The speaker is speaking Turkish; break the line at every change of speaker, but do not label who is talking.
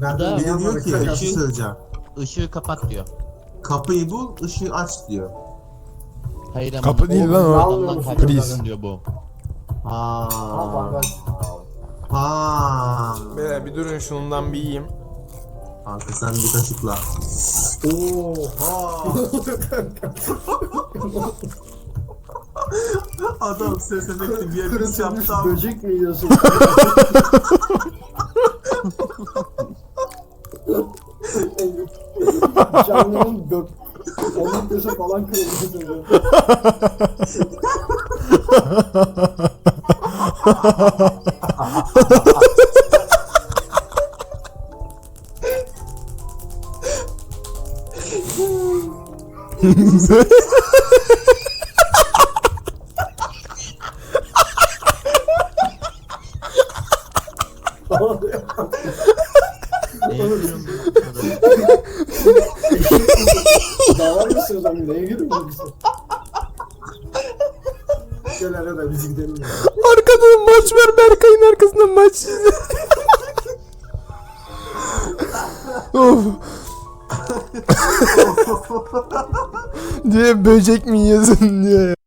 Nereden
Bir de
diyor ki bir şey
Işığı-
söyleyeceğim.
Işığı kapat diyor.
Kapıyı bul, ışığı aç diyor.
Hayır ama
Kapı değil lan o.
adamdan
Priz.
kaçmasın diyor bu.
Ha.
bandaj.
Ha.
Beyler bir durun şundan bir yiyeyim.
Kanka sen bir kaşıkla. Oha. Adam sesemekli bir yer
Kırıtılmış
yaptı.
böcek mi yiyorsun? Canlının gök. Onun köşe falan kırılmış.
Ne yapıyorsun?
Davar mısınız lan? Neye giriyorsun? Gel hele de biz gidelim ya.
Arkadan maç var, Berkay'ın arkasından maç. Of. Diye böcek mi yiyorsun diye.